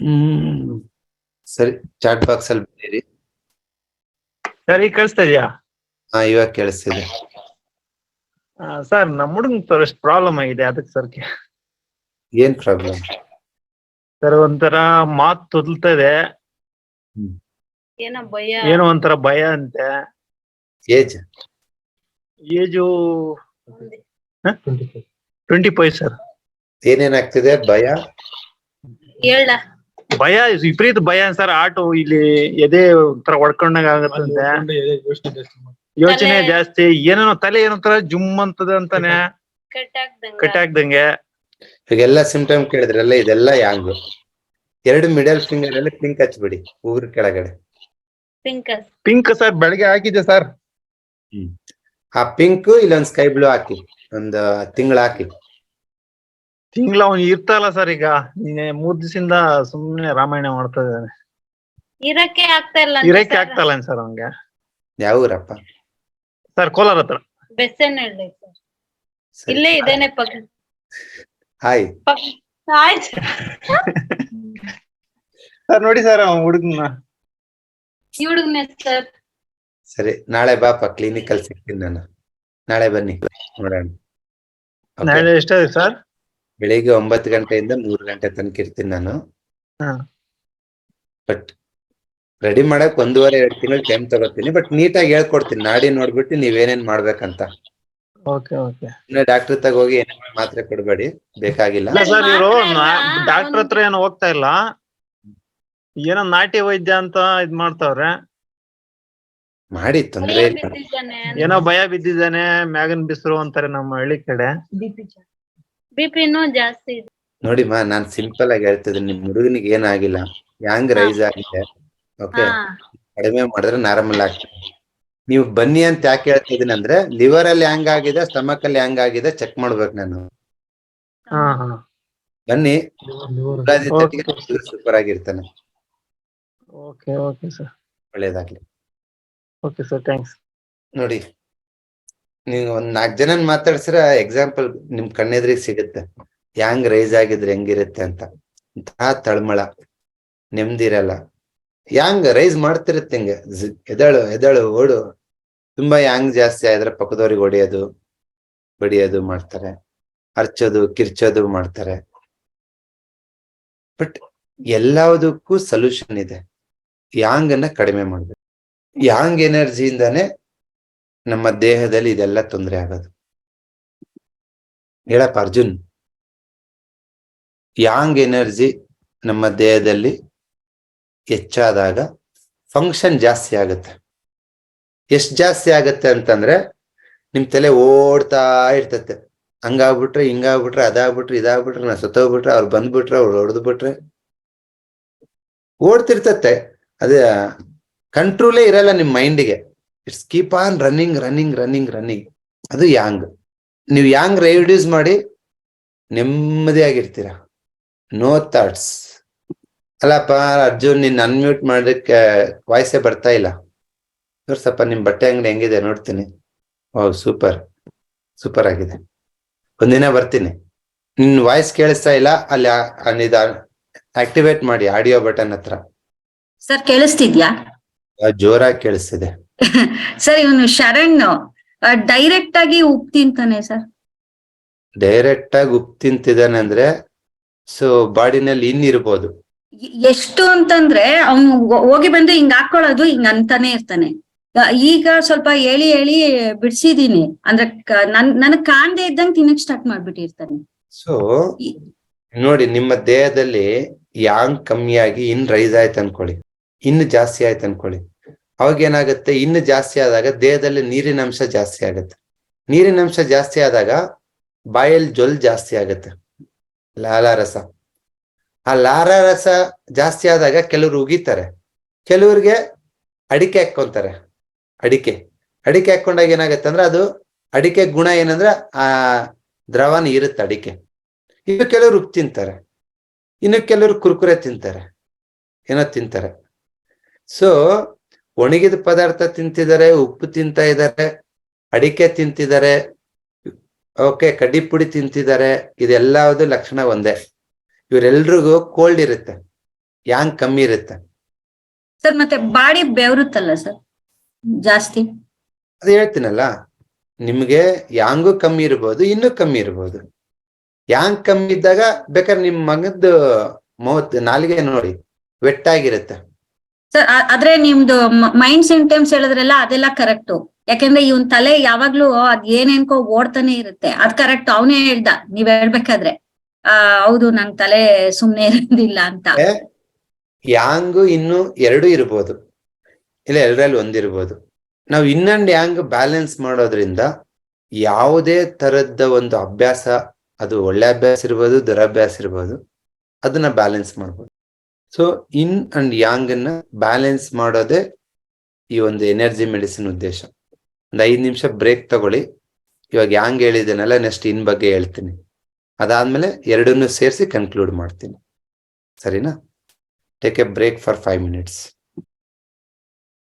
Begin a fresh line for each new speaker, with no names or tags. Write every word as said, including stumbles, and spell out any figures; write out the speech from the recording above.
ಹ್ಮ್ ಸರಿ, chat box ಅಲ್ಲಿ ಬರೀರಿ.
ಸರ್ ಈಗ ಕೇಳಿಸ್ತಾ ಇದೆಯಾ?
ಹಾ ಇವಾಗ ಕೇಳಿಸ್ತಿದೆ.
ಸರ್ ನಮ್ಮ ಹುಡುಗನ್ ಸರ್ ಎಷ್ಟು ಪ್ರಾಬ್ಲಮ್ ಆಗಿದೆ ಅದಕ್ಕೆ ಸರ್.
ಏನ್ ಪ್ರಾಬ್ಲಮ್?
ಸರ್ ಒಂಥರ ಮಾತು ತೊದಲ್ತದೆ,
ಹ್ಮ್
ಏನೋ ಭಯ,
ಏನೋ ಒಂಥರ ಭಯ ಅಂತೆ.
Age
age twenty five sir.
ಏನೇನಾಗ್ತಿದೆ? ಭಯ
ಹೇಳ
ಭಯ, ವಿಪರೀತ ಭಯ ಸರ್. ಆಟೋ ಇಲ್ಲಿ ಎದೆ ಒಂಥರ ಹೊಡ್ಕೊಂಡಾಗ ಆಗತ್ತಂತೆ, ಯೋಚನೆ
ತಲೆ-
ಜಾಸ್ತಿ, ಏನೇನೋ ತಲೆ ಏನೋ ತರ ಜುಮ್ ಅಂತದ ಅಂತಾನೆ,
ಕಟ್ಟಾಗ್ದಂಗ
ಕಟ್ಟಾಗ್ದಂಗೆ.
ಈಗೆಲ್ಲ ಸಿಂಪ್ಟಮ್ ಕೇಳಿದ್ರಲ್ಲ, ಇದೆಲ್ಲ ಯಾಂಗ್. ಎರಡು ಮಿಡಲ್ ಫಿಂಗರ್ ಅಲ್ಲಿ ಪಿಂಕ್ ಹಚ್ಬಿಡಿ ಉಗುರು ಕೆಳಗಡೆ.
ಪಿಂಕಸ್
ಪಿಂಕ್ ಸರ್ ಬೆಳಗ್ಗೆ ಹಾಕಿದೆ ಸರ್.
ಹ್ಮ್ ಆ ಪಿಂಕ್ ಇಲ್ಲೊಂದ್ ಸ್ಕೈ ಬ್ಲೂ ಹಾಕಿ, ಒಂದ್ ತಿಂಗಳ ಹಾಕಿ.
ತಿಂಗಳ ಅವ್ನು ಇರ್ತಲ್ಲ ಸರ್. ಈಗ ನೀನೆ ಮೂರ್ ದಿವಸದಿಂದ ಸುಮ್ನೆ ರಾಮಾಯಣ ಮಾಡ್ತಾ ಇದ್ದಾನೆ.
ಇರಕ್ಕೆ ಆಗ್ತಾ ಇಲ್ಲ
ಇರಕ್ಕೆ ಆಗ್ತಲ್ಲ ಸರ್ ಅವ್ನಿಗೆ.
ಯಾವ ಊರಪ್ಪ?
ಸರ್ ಕೋಲಾರ ಹತ್ರ.
ಬೆಸ್ಸನಹಳ್ಳಿ ಸರ್.
ಸರಿ.
ಇಲ್ಲೇ ಇದೇನೆ ಪಕ್ಕ.
ಹಾಯ್
ಪಕ್ಕ- ಆಯ್ತು
ಸರ್ ನೋಡಿ ಸರ್ ಹುಡುಗನ.
ಈ ಹುಡುಗನ ಸರ್.
ಸರಿ, ನಾಳೆ ಬಾಪ ಕ್ಲಿನಿಕ್ ಅಲ್ಲಿ ಸಿಗ್ತೀನಿ ನಾನು. ನಾಳೆ ಬನ್ನಿ ನೋಡೋಣ. Okay?
ನಾಳೆ ಎಷ್ಟಾಗಿದೆ ಸರ್?
ಬೆಳಿಗ್ಗೆ ಒಂಬತ್ತು ಗಂಟೆಯಿಂದ ಮೂರು ಗಂಟೆ ತನಕ ಇರ್ತೀನಿ ನಾನು.
ಹಾ.
ಬಟ್ ರೆಡಿ ಮಾಡಕ್ ಒಂದೂವರೆ ಎರಡು ತಿಂಗಳು ಟೈಮ್ ತಗೋತೀನಿ. ಬಟ್ ನೀಟಾಗಿ ಹೇಳ್ಕೊಡ್ತೀನಿ, ನಾಡಿ ನೋಡ್ಬಿಟ್ಟು ನೀವೇನೇನ್ ಮಾಡ್ಬೇಕಂತ.
Okay okay.
ಇನ್ನು ಡಾಕ್ಟರ್ ತಗ ಹೋಗಿ ಏನೇನ್ ಮಾತ್ರೆ ಕೊಡ್ಬೇಡಿ, ಬೇಕಾಗಿಲ್ಲ.
ಇಲ್ಲ ಸರ್, ಇವರು
ಮಾತ್ರ ಇಲ್ಲ,
ಡಾಕ್ಟರ್ ಹತ್ರ
ಒಂದು-
ಏನು ಹೋಗ್ತಾ ಇಲ್ಲ, ಏನೋ ನಾಟಿ ವೈದ್ಯ ಅಂತ ಇದ್ ಮಾಡ್ತಾವ್ರೆ.
ಮಾಡಿ, ತೊಂದ್ರೆ
ಭಯ
ಇಲ್ಲ.
ಬಿದ್ದಿದ್ದಾನೆ.
ಏನೋ ಭಯ ಬಿದ್ದಿದ್ದಾನೆ, ಮ್ಯಾಗನ್ ಬಿಸಿರು ಅಂತಾರೆ ನಮ್ಮ ಹಳ್ಳಿ ಕಡೆ.
ಬಿಪಿನೂ ಜಾಸ್ತಿ ಇದೆ.
ನೋಡಿ ಮಾ, ನಾನ್ ಸಿಂಪಲ್ ಆಗಿ ಹೇಳ್ತಿದ್ದೀನಿ, ನಿಮ್ ಹುಡುಗನಿಗೆ ಏನಾಗಿಲ್ಲ, ಯಾಂಗ್ ರೈಸ್ ಆಗಿದೆ. ಓಕೆ,
ಹಾ
ಕಡಿಮೆ ಮಾಡಿದ್ರೆ ನಾರ್ಮಲ್ ಆಗ್ತದೆ. ನೀವು ಬನ್ನಿ ಅಂತ ಯಾಕೆ ಹೇಳ್ತಿದೀನಿ ಅಂದ್ರೆ, ಲಿವರ್ ಅಲ್ಲಿ ಹ್ಯಾಂಗ್ ಆಗಿದೆ, ಸ್ಟಮಕ್ ಅಲ್ಲಿ ಹ್ಯಾಂಗ್ ಆಗಿದೆ ಚೆಕ್ ಮಾಡ್ಬೇಕು ನಾನು.
ಹಾ ಹಾ.
ಬನ್ನಿ,
Okay.
ಸೂಪರ್ ಆಗಿರ್ತಾನೆ.
Okay okay sir.
ಒಳ್ಳೇದಾಗ್ಲಿ.
Okay sir, thanks.
ನೋಡಿ, ನೀವು ಒಂದ್ ನಾಲ್ಕು ಜನ ಮಾತಾಡ್ಸಿರ ಎಕ್ಸಾಂಪಲ್ ನಿಮ್ ಕಣ್ಣೆದ್ರಿಗೆ ಸಿಗುತ್ತೆ, ಹ್ಯಾಂಗ್ ರೈಸ್ ಆಗಿದ್ರೆ ಹೆಂಗಿರುತ್ತೆ ಅಂತ. ಇಂತಹ ತಳಮಳ, ನೆಮ್ಮದಿರಲ್ಲ. ಹ್ಯಾಂಗ್ ರೈಸ್ ಮಾಡ್ತಿರುತ್ತೆ ಹಿಂಗೆ, ಎದಳು ಎದಳು ಓಡು. ತುಂಬಾ ಹ್ಯಾಂಗ್ ಜಾಸ್ತಿ ಆದ್ರೆ ಪಕ್ಕದವ್ರಿಗೆ ಹೊಡೆಯೋದು ಬಡಿಯೋದು ಮಾಡ್ತಾರೆ, ಹರ್ಚೋದು ಕಿರ್ಚೋದು ಮಾಡ್ತಾರೆ. ಬಟ್ ಎಲ್ಲದಕ್ಕೂ ಸೊಲ್ಯೂಷನ್ ಇದೆ. ಯಾಂಗ್ ಅನ್ನ ಕಡಿಮೆ ಮಾಡ್ಬೇಕು. ಯಾಂಗ್ ಎನರ್ಜಿಯಿಂದಾನೇ ನಮ್ಮ ದೇಹದಲ್ಲಿ ಇದೆಲ್ಲ ತೊಂದರೆ ಆಗೋದು. ಹೇಳಪ್ಪ ಅರ್ಜುನ್, ಯಾಂಗ್ ಎನರ್ಜಿ ನಮ್ಮ ದೇಹದಲ್ಲಿ ಹೆಚ್ಚಾದಾಗ ಫಂಕ್ಷನ್ ಜಾಸ್ತಿ ಆಗುತ್ತೆ. ಎಷ್ಟ್ ಜಾಸ್ತಿ ಆಗತ್ತೆ ಅಂತಂದ್ರೆ, ನಿಮ್ ತಲೆ ಓಡ್ತಾ ಇರ್ತತೆ. ಹಂಗಾಗ್ಬಿಟ್ರೆ ಹಿಂಗಾಗ್ಬಿಟ್ರೆ ಅದಾಗ್ಬಿಟ್ರೆ ಇದಾಗ್ಬಿಟ್ರೆ ನಾ ಸತ್ತೋಗ್ಬಿಟ್ರೆ ಅವ್ರು ಬಂದ್ಬಿಟ್ರೆ ಅವ್ರು ಹೊಡೆದು ಬಿಟ್ರೆ ಓಡ್ತಿರ್ತತೆ. ಅದೇ ಕಂಟ್ರೋಲೇ ಇರಲ್ಲ ನಿಮ್ ಮೈಂಡಿಗೆ. It's keep on running running running running. ಅದು ಯಾಂಗ್. ನೀವು ಯಾಂಗ್ ರೆಡ್ಯೂಸ್ ಮಾಡಿ ನೆಮ್ಮದಿಯಾಗಿರ್ತೀರ. No thoughts. ಅಲ್ಲಪ್ಪ ಅರ್ಜುನ್, ನೀನ್ ಅನ್ಮ್ಯೂಟ್ ಮಾಡೋದಕ್ಕೆ ವಾಯ್ಸೇ ಬರ್ತಾ ಇಲ್ಲ. ಸ್ವಲ್ಪ ನಿಮ್ ಬಟ್ಟೆ ಅಂಗಡಿ ಹೆಂಗಿದೆ ನೋಡ್ತೀನಿ. ಓ ಸೂಪರ್ ಸೂಪರ್ ಆಗಿದೆ. ಒಂದಿನ ಬರ್ತೀನಿ. ನಿನ್ ವಾಯ್ಸ್ ಕೇಳಿಸ್ತಾ ಇಲ್ಲ, ಅಲ್ಲಿ ಆಕ್ಟಿವೇಟ್ ಮಾಡಿ ಆಡಿಯೋ ಬಟನ್ ಹತ್ರ.
ಸರ್ ಕೇಳಿಸ್ತಿದ್ಯಾ?
ಜೋರಾಗಿ ಕೇಳಿಸ್ತಿದೆ.
ಸರ್ ಇವನು ಶರಣ್ ಡೈರೆಕ್ಟ್ ಆಗಿ ಉಪ್ಪು ತಿಂತಾನೆ ಸರ್.
ಡೈರೆಕ್ಟ್ ಆಗಿ ಉಪ್ಪು ತಿಂತಿದ್ದಾನೆ ಅಂದ್ರೆ ಸೊ ಬಾಡಿನಲ್ಲಿ ಇನ್ನಿರ್ಬೋದು.
ಎಷ್ಟು ಅಂತಂದ್ರೆ ಅವ್ನು ಹೋಗಿ ಬಂದು ಹಿಂಗ್ ಹಾಕೊಳ್ಳೋದು ಹಿಂಗ್ ಅಂತಾನೆ ಇರ್ತಾನೆ. ಈಗ ಸ್ವಲ್ಪ ಹೇಳಿ ಹೇಳಿ ಬಿಡ್ಸಿದೀನಿ ಅಂದ್ರೆ ನನ್ ನನಗ್ ಕಾಣ್ದೆ ಇದ್ದಂಗೆ ತಿನ್ನಕ್ ಸ್ಟಾರ್ಟ್ ಮಾಡ್ಬಿಟ್ಟಿರ್ತಾನೆ.
ಸೊ ನೋಡಿ, ನಿಮ್ಮ ದೇಹದಲ್ಲಿ ಯಾಂಗ್ ಕಮ್ಮಿಯಾಗಿ ಇನ್ ರೈಸ್ ಆಯ್ತು ಅನ್ಕೊಳ್ಳಿ, ಇನ್ನು ಜಾಸ್ತಿ ಆಯ್ತು ಅನ್ಕೊಳ್ಳಿ. ಅವಾಗ ಏನಾಗುತ್ತೆ, ಇನ್ನು ಜಾಸ್ತಿ ಆದಾಗ ದೇಹದಲ್ಲಿ ನೀರಿನ ಅಂಶ ಜಾಸ್ತಿ ಆಗುತ್ತೆ. ನೀರಿನ ಅಂಶ ಜಾಸ್ತಿ ಆದಾಗ ಬಾಯಲ್ಲಿ ಜೊಲ್ ಜಾಸ್ತಿ ಆಗುತ್ತೆ, ಲಾಲಾರಸ. ಆ ಲಾಲಾರಸ ಜಾಸ್ತಿ ಆದಾಗ ಕೆಲವ್ರು ಉಗಿತಾರೆ, ಕೆಲವ್ರಿಗೆ ಅಡಿಕೆ ಹಾಕೊಂತಾರೆ. ಅಡಿಕೆ ಅಡಿಕೆ ಹಾಕೊಂಡಾಗ ಏನಾಗತ್ತೆ ಅಂದ್ರೆ, ಅದು ಅಡಿಕೆ ಗುಣ ಏನಂದ್ರೆ ಆ ದ್ರವನ ಇರುತ್ತೆ ಅಡಿಕೆ. ಇನ್ನು ಕೆಲವರು ಉಪ್ಪು ತಿಂತಾರೆ, ಇನ್ನು ಕೆಲವರು ಕುರ್ಕುರೆ ತಿಂತಾರೆ, ಏನೋ ತಿಂತಾರೆ. ಸೊ ಒಣಗಿದ ಪದಾರ್ಥ ತಿಂತಿದ್ದಾರೆ, ಉಪ್ಪು ತಿಂತಾ ಇದ್ದಾರೆ, ಅಡಿಕೆ ತಿಂತಿದ್ದಾರೆ, ಓಕೆ ಕಡ್ಡಿ ಪುಡಿ ತಿಂತಿದ್ದಾರೆ. ಇದೆಲ್ಲದು ಲಕ್ಷಣ ಒಂದೇ. ಇವರೆಲ್ರಿಗೂ ಕೋಲ್ಡ್ ಇರುತ್ತೆ. ಯಾಂಗ್ ಕಮ್ಮಿ ಇರುತ್ತೆ.
ಸರ್ ಮತ್ತೆ ಬಾಡಿ ಬೆವರುತ್ತಲ್ಲ ಸರ್ ಜಾಸ್ತಿ.
ಅದು ಹೇಳ್ತೀನಲ್ಲ, ನಿಮ್ಗೆ ಯಾಂಗು ಕಮ್ಮಿ ಇರ್ಬೋದು, ಇನ್ನೂ ಕಮ್ಮಿ ಇರ್ಬೋದು. ಯಾಂಗ್ ಕಮ್ಮಿ ಇದ್ದಾಗ ಬೇಕಾದ್ರೆ ನಿಮ್ ಮಗದ್ದು ಮೂವತ್ ನಾಲಿಗೆ ನೋಡಿ ವೆಟ್ಟಾಗಿರುತ್ತೆ.
ಸರ್ ಆದ್ರೆ ನಿಮ್ದು ಮೈಂಡ್ ಸಿಂಟಮ್ಸ್ ಹೇಳಿದ್ರಲ್ಲ ಅದೆಲ್ಲ ಕರೆಕ್ಟು. ಯಾಕಂದ್ರೆ ಇವನ್ ತಲೆ ಯಾವಾಗ್ಲೂ ಅದ್ ಏನೇನ್ಕೋ ಓಡ್ತಾನೆ ಇರುತ್ತೆ. ಅದ್ ಕರೆಕ್ಟ್, ಅವನೇ ಹೇಳ್ದ ನೀವ್ ಹೇಳ್ಬೇಕಾದ್ರೆ ಆ ಹೌದು ನನ್ ತಲೆ ಸುಮ್ನೆ ಇರೋದಿಲ್ಲ ಅಂತ.
ಯಾಂಗು ಇನ್ನು ಎರಡು ಇರ್ಬೋದು, ಇಲ್ಲ ಎರಡರಲ್ಲಿ ಒಂದಿರ್ಬೋದು. ನಾವು ಇನ್ನೊಂದು ಯಾಂಗ್ ಬ್ಯಾಲೆನ್ಸ್ ಮಾಡೋದ್ರಿಂದ ಯಾವುದೇ ತರದ ಒಂದು ಅಭ್ಯಾಸ, ಅದು ಒಳ್ಳೆ ಅಭ್ಯಾಸ ಇರ್ಬೋದು, ದುರಭ್ಯಾಸ ಇರ್ಬೋದು, ಅದನ್ನ ಬ್ಯಾಲೆನ್ಸ್ ಮಾಡ್ಬೋದು. ಸೊ ಇನ್ ಅಂಡ್ ಯಾಂಗ್ ಅನ್ನ ಬ್ಯಾಲೆನ್ಸ್ ಮಾಡೋದೇ ಈ ಒಂದು ಎನರ್ಜಿ ಮೆಡಿಸಿನ್ ಉದ್ದೇಶ. ಒಂದು ಐದು ನಿಮಿಷ ಬ್ರೇಕ್ ತಗೊಳ್ಳಿ. ಇವಾಗ ಯಾಂಗ್ ಹೇಳಿದ್ದೇನಲ್ಲ, ನೆಕ್ಸ್ಟ್ ಇನ್ ಬಗ್ಗೆ ಹೇಳ್ತೀನಿ. ಅದಾದ್ಮೇಲೆ ಎರಡನ್ನೂ ಸೇರಿಸಿ ಕನ್ಕ್ಲೂಡ್ ಮಾಡ್ತೀನಿ. ಸರಿನಾ? Take a break for five minutes.